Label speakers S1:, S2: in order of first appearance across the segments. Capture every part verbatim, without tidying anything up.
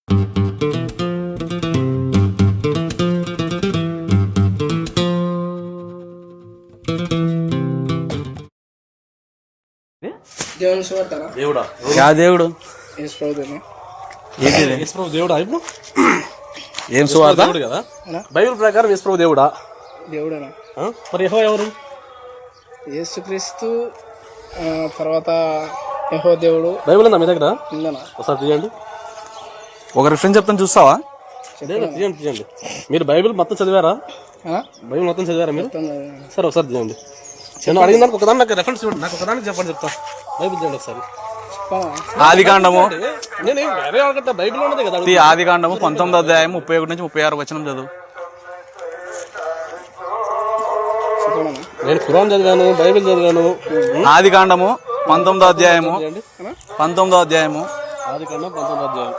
S1: దేవుడా దేవుడు
S2: దేవుడా ఇప్పుడు
S1: ఏం సువార్త
S2: కదా బైబిల్ ప్రకారం యేసుప్రభు దేవుడా
S3: దేవుడేనా
S2: మరి యెహోవా ఎవరు?
S3: యేసుక్రీస్తు తర్వాత యెహోవా దేవుడు.
S2: బైబిల్ ఉందా మీ దగ్గర?
S3: ఉందనా?
S2: ఒకసారి తీయండి.
S1: ఒక రిఫరెన్స్ చెప్తాను చూస్తావా?
S2: తీయండి తీయండి. మీరు బైబిల్ మొత్తం చదివారా? బైబిల్ మొత్తం చదివారా మీరు? సరే ఒకసారి తీయండి. నేను అడిగిన దానికి ఒకదాని నాకు రెఫరెన్స్ చూడండి. నాకు ఒకదానికి చెప్పండి చెప్తా. బైబిల్ తీయండి ఒకసారి.
S1: ఆది కాండము
S2: నేను వేరే అనుకుంటా బైబిల్ ఉన్నది కదా.
S1: ఆది కాండము పంతొమ్మిది అధ్యాయం ముప్పై ఒకటి నుంచి ముప్పై ఆరు వచనం చదువు.
S2: నేను ఖురాన్ చదివాను, బైబిల్ చదివాను.
S1: ఆది కాండము పంతొమ్మిదో అధ్యాయము పంతొమ్మిదో అధ్యాయము
S2: ఆది కాండం పంతొమ్మిదో అధ్యాయం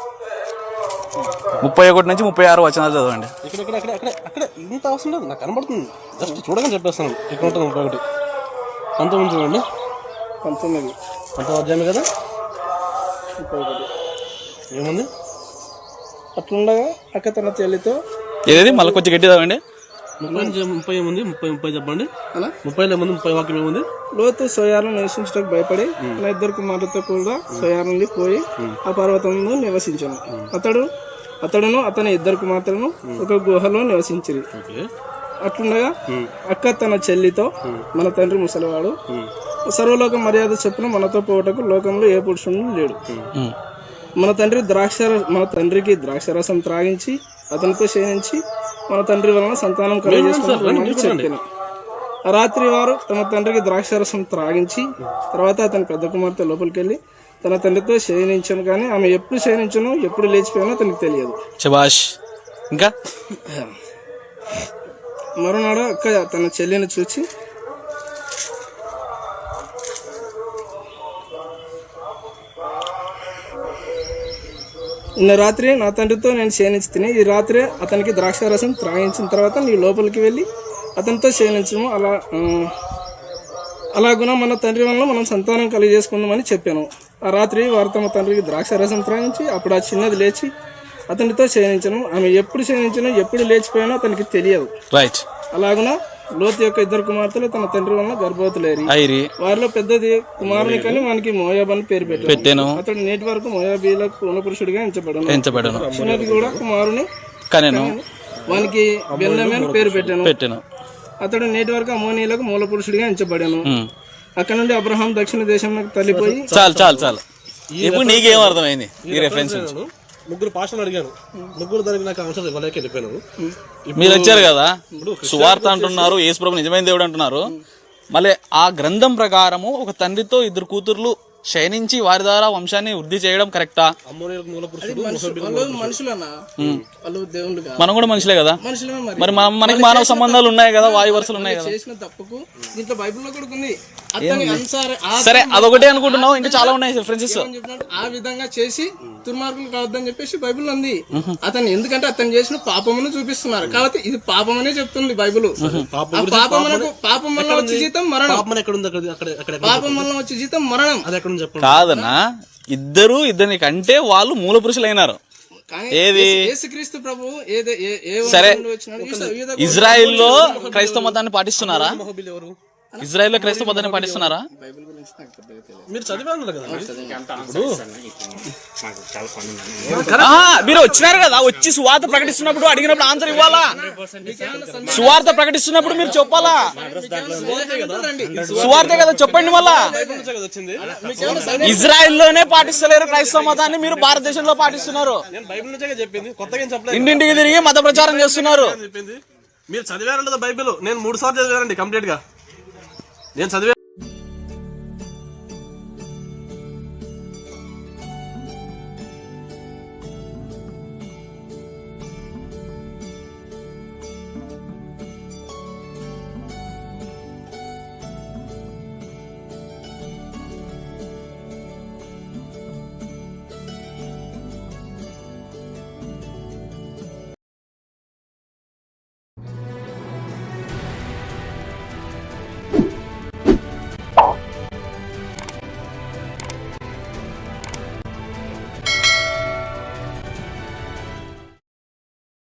S1: ముప్పై ఒకటి నుంచి ముప్పై ఆరు వచనాలు చదవండి.
S2: ఇక్కడ ఇక్కడ అక్కడ అక్కడ అక్కడ ఇంత అవసరం లేదు, నాకు కనబడుతుంది. జస్ట్ చూడగానే చెప్పేస్తాను. ఇక్కడ ఉంటుంది ముప్పై ఒకటి పంతొమ్మిది చూడండి.
S3: పంతొమ్మిది
S2: పంతొమ్మిది అధ్యాయం కదా.
S3: ముప్పై ఒకటి
S2: ఏముంది?
S3: అట్లుండగా అక్క తన చెల్లితో
S1: ఏది మళ్ళీ కొంచెం గట్టి చదవండి.
S2: ముప్పై ముప్పై ఏముంది? ముప్పై ముప్పై చెప్పండి. ముప్పైలో ఏముంది? ముప్పై వాక్యం ఏముంది?
S3: లోతు సోయాలను నివసించడానికి భయపడి తన ఇద్దరు కుమారులతో కూడా సోయాల నుండి పోయి ఆ పర్వతంలో నివసించాను. అతడు అతడును అతని ఇద్దరు కుమార్తెలను ఒక గుహలో నివసించిరి. అట్లుండగా అక్క తన చెల్లితో, మన తండ్రి ముసలివాడు, సర్వలోక మర్యాద చొప్పున మనతో పోవటకు లోకంలో ఏ పురుషుడు లేడు. మన తండ్రి ద్రాక్ష మన తండ్రికి ద్రాక్షరసం త్రాగించి అతనితో శయనించి మన తండ్రి వలన సంతానం కలిగజేసుకుని చెప్పాను. ఆ రాత్రి వారు తమ తండ్రికి ద్రాక్షరసం త్రాగించి తర్వాత అతని పెద్ద కుమార్తె లోపలికి వెళ్ళి తన తండ్రితో శయనించాను, కానీ ఆమె ఎప్పుడు శయనించను ఎప్పుడు లేచిపోయానో అతనికి తెలియదు.
S1: శభాష్. ఇంకా
S3: మరునాడు అక్క తన చెల్లిని చూచి నిన్న రాత్రి నా తండ్రితో నేను శయనించి తిని ఈ రాత్రి అతనికి ద్రాక్షారసం త్రాగించిన తర్వాత నీ లోపలికి వెళ్ళి అతనితో శయనించము. అలా అలాగున మన తండ్రి వల్ల మనం సంతానం కలిగజేసుకుందామని చెప్పాను. ఆ రాత్రి వారు తమ తండ్రికి ద్రాక్షారసం త్రాగించి అప్పుడు ఆ చిన్నది లేచి అతనితో శయనించను. ఆమె ఎప్పుడు శయనించను ఎప్పుడు లేచిపోయానో అతనికి తెలియదు.
S1: రైట్.
S3: అలాగున లోతు యొక్క ఇద్దరు కుమార్తెలు తన తండ్రి వల్ల గర్భవతులేరి. వారిలో పెద్దది కుమారుని కానీ వానికి మోయాబ్ అని పేరు పెట్టాను. అతడు నేటి వరకు మోయాబీలకు పూర్ణపురుషుడిగా ఎంచబడను. చిన్నది కూడా కుమారుని
S1: కనెను,
S3: వానికి బెన్యామీను పేరు పెట్టాను.
S1: పెట్టాను.
S3: అతడు నేటి వరకు అమోనీయులకు మూల పురుషుడిగా ఎంచబడాను. అక్కడ నుండి అబ్రహాం దక్షిణ దేశంలోకి తల్లిపోయి.
S1: చాలు చాలు చాలు ఇప్పుడు నీకేం అర్థమైంది ఈ రెఫరెన్స్?
S2: ముగ్గురు పాషలు అడిగాను, ముగ్గురు దానికి నాకు ఆన్సర్ ఇవ్వలేక వెళ్ళిపోయాను.
S1: మీరు వచ్చారు కదా, సువార్త అంటున్నారు, యేసుప్రభు నిజమైన దేవుడు అంటున్నారు. మళ్ళీ ఆ గ్రంథం ప్రకారము ఒక తండ్రితో ఇద్దరు కూతుర్లు శయనించి వారి ద్వారా వంశాన్ని వృద్ధి చేయడం కరెక్టా? మనం కూడా మనుషులే కదా, మరి మనకి మానవ సంబంధాలు ఉన్నాయి కదా, వాయు వరుసలు ఉన్నాయి కదా. సరే అదొకటే అనుకుంటున్నావు, ఇంకా చాలా ఉన్నాయి రిఫరెన్సెస్.
S3: ఆ విధంగా చేసి దుర్మార్గులు కావద్దని చెప్పేసి బైబిల్ ఉంది. అతను ఎందుకంటే అతను చేసిన పాపమును చూపిస్తున్నారు కాబట్టి ఇది పాపం అనే చెప్తుంది బైబిల్. పాపమునకు పాపం వల్ల వచ్చే జీతం మరణం. పాపం వల్ల వచ్చే జీతం మరణం.
S1: కాదన్నా, ఇద్దరు ఇద్దరిని కంటే వాళ్ళు మూల పురుషులైనారు. ఏది?
S3: యేసుక్రీస్తు ప్రభు.
S1: సరే, ఇజ్రాయిల్లో క్రైస్తవ మతాన్ని పాటిస్తున్నారా? ఇజ్రాయిల్లో క్రైస్తవ మతాన్ని పాటిస్తున్నారా?
S2: మీరు చదివాను కదా.
S1: మీరు వచ్చినారు కదా, వచ్చి సువార్త ప్రకటిస్తున్నప్పుడు అడిగినప్పుడు ఆన్సర్ ఇవ్వాలా? సువార్త ప్రకటిస్తున్నప్పుడు మీరు చెప్పాలా? సువార్తే కదా, చెప్పండి. మళ్ళా ఇజ్రాయిల్లోనే పాటిస్తలేరు క్రైస్తవ మతాన్ని, మీరు భారతదేశంలో పాటిస్తున్నారు. ఇంటింటికి తిరిగి మత ప్రచారం చేస్తున్నారు.
S2: మీరు చదివారంట బైబిల్. నేను మూడు సార్లు చదివానండి కంప్లీట్ గా. నేను చదివా.